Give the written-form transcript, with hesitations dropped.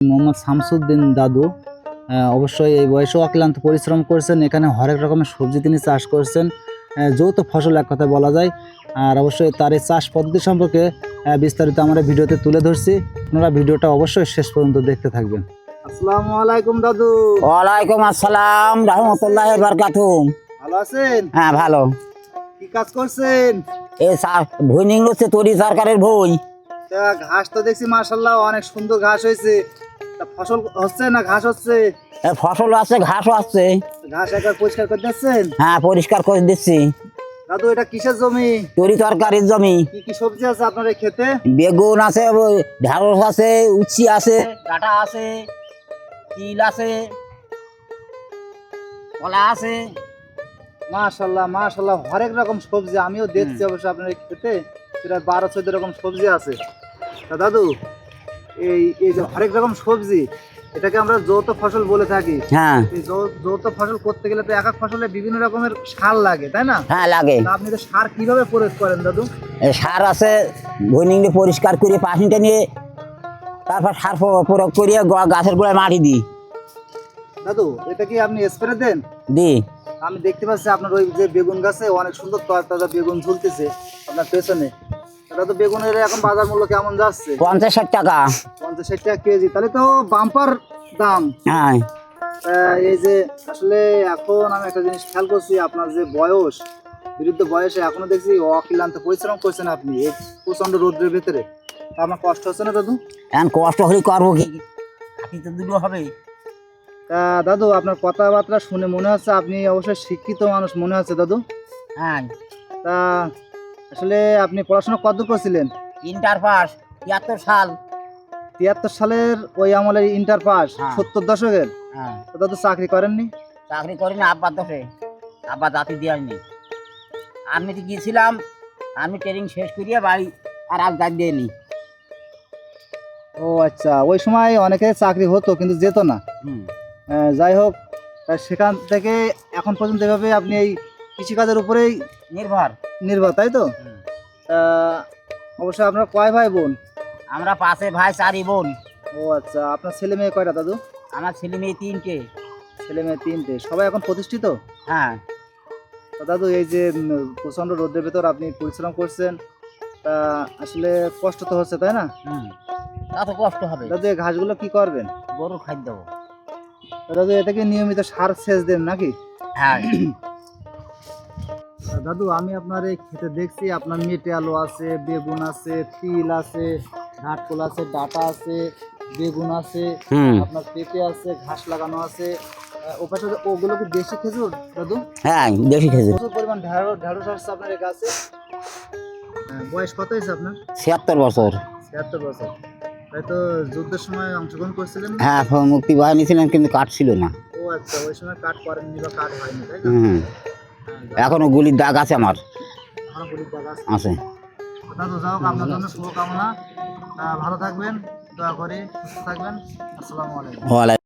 মোহাম্মদ শামসুদ্দিন দাদু অবশ্যই এই বয়সেও অক্লান্ত পরিশ্রম করছেন। এখানে হরেক রকমের সবজি তিনি চাষ করছেন, যৌথ ফসল এক কথায় বলা যায়। আর অবশ্যই তার এই চাষ পদ্ধতি সম্পর্কে বিস্তারিত আমরা ভিডিওতে তুলে ধরছি। আপনারা ভিডিওটা অবশ্যই শেষ পর্যন্ত দেখতে থাকবেন। আসসালামু আলাইকুম দাদু। ওয়ালাইকুম আসসালাম রহমতুল্লাহি বারাকাতুহু। ভালো আছেন? হ্যাঁ ভালো। কি কাজ করছেন? এই ভুই নিংড়ছে তরি সরকারের ভুই। ঘাস তো দেখছি মাশাআল্লাহ অনেক সুন্দর ঘাস হয়েছে। ফসল হচ্ছে না ঘাস হচ্ছে? ফসল আছে ঘাসও আছে। ঘাস একবার পরিষ্কার করে দিচ্ছেন? হ্যাঁ পরিষ্কার করে দিচ্ছি। দাদু এটা কিসের জমি? তরি তরকারির জমি। কি কি সবজি আছে আপনার এই ক্ষেতে? বেগুন আছে, ঢেঁড়স আছে, উচ্ছি আছে, ডাঁটা আছে, তিল আছে, কলা আছে। মাশাআল্লাহ মাশাআল্লাহ হরেক রকম সবজি আমিও দেখছি অবশ্য আপনার এই ক্ষেতে। সেটা 12-14 রকম সবজি আছে। তা দাদু এই যে হরেক রকম সবজি, এটাকে আমরা যৌথ ফসল বলে থাকি। হ্যাঁ এই যৌথ ফসল করতে গেলে তো এক এক ফসলে বিভিন্ন রকমের সার লাগে, তাই না? হ্যাঁ লাগে। তা আপনি তো সার কিভাবে প্রয়োগ করেন দাদু? সার আছে, ভুই নিংড়ে পরিষ্কার করে পাশিটা নিয়ে তারপর সার প্রয়োগ করিয়ে গাছের গোড়ায় মাটি দিই। দাদু এটা কি আপনি স্প্রে দেন? দিই। আমি দেখতে পাচ্ছি আপনার ওই যে বেগুন গাছে অনেক সুন্দর তাজা বেগুন ঝুলতেছে আপনার পেছনে। দাদু বেগুনের এখন বাজার মূল্য কেমন যাচ্ছে? 50-60 টাকা। 50-60 টাকা কেজি, তাহলে তো বাম্পার দাম। হ্যাঁ এই যে আসলে এখন আমি একটা জিনিস খেয়াল করছি, আপনার যে বয়স, বিরুদ্ধ বয়সে এখনো দেখছি অক্লান্ত পরিশ্রম করছেন আপনি এই প্রচন্ড রোদ্রের ভেতরে। তা আমার কষ্ট হচ্ছে না দাদু? এখন কষ্ট হলে করবো কি, খাটি তো দুটো হবে। তা দাদু আপনার কথাবার্তা শুনে মনে হচ্ছে আপনি অবশ্যই শিক্ষিত মানুষ মনে হচ্ছে দাদু। হ্যাঁ তা আসলে আপনি পড়াশোনা কতদূর করছিলেন? ইন্টার পাস 73 সাল। 73 সালের ওই আমলের ইন্টার পাস? হ্যাঁ। 70 দশকের? হ্যাঁ তো দাদু চাকরি করেননি? চাকরি করি না, আব্বার দোষে। আব্বা জাতি দেয়নি। আর্মিতে গিয়েছিলাম, আর্মি ট্রেনিং শেষ করিয়ে বাড়ি আর জাতি দেয়নি। ও আচ্ছা, ওই সময় অনেকে চাকরি হতো কিন্তু যেত না। হুম যাই হোক, সেখান থেকে এখন পর্যন্ত এভাবে আপনি এই কৃষিকাজের উপরেই নির্ভর, তাই তো? অবশ্যই আপনার কয় ভাই বোন? আমরা 5 ভাই 4 বোন। ও আচ্ছা, আপনার ছেলে মেয়ে কয়টা দাদু? আমার ছেলে মেয়ে 3টে। ছেলে মেয়ে 3টে, সবাই এখন প্রতিষ্ঠিত? হ্যাঁ। তো দাদু এই যে প্রচন্ড রোদের ভেতর আপনি পরিশ্রম করছেন, তা আসলে কষ্ট তো হচ্ছে, তাই না? তা তো কষ্ট হবে। দাদু এই ঘাসগুলো কি করবেন? গরু খাদ্য দেবো। দাদু এটাকে নিয়মিত সার সেচ দেন নাকি? হ্যাঁ। দাদু আমি আপনার এই ক্ষেতে দেখছি আপনার মেটে আলু আছে, বেগুন আছে, তিল আছে, ঘাটকোল আছে, ডাঁটা আছে, বেগুন আছে, আপনার পেঁপে আছে, ঘাস লাগানো আছে। ওপাশে ওগুলো কি দেশি খেজুর দাদু? হ্যাঁ দেশি খেজুর। প্রচুর পরিমাণ ঢেঁড়স আসছে আপনার এই গাছে। বয়স কত হয়েছে আপনার? 76 বছর। 76 বছর। তাই তো যুদ্ধের সময় অংশগ্রহণ করছিলেন? হ্যাঁ মুক্তি বাহিনী ছিলেন কিন্তু কাঠ ছিল না। ও আচ্ছা, ওই সময় কাট করেননি বা কাট হয়নি, তাই না? এখনো গুলির দাগ আছে আমার। এখনো গুলির দাগ আছে। দাদু যাও, আপনার জন্য শুভকামনা। ভালো থাকবেন, দয়া করে সুস্থ থাকবেন। আসসালামু আলাইকুম।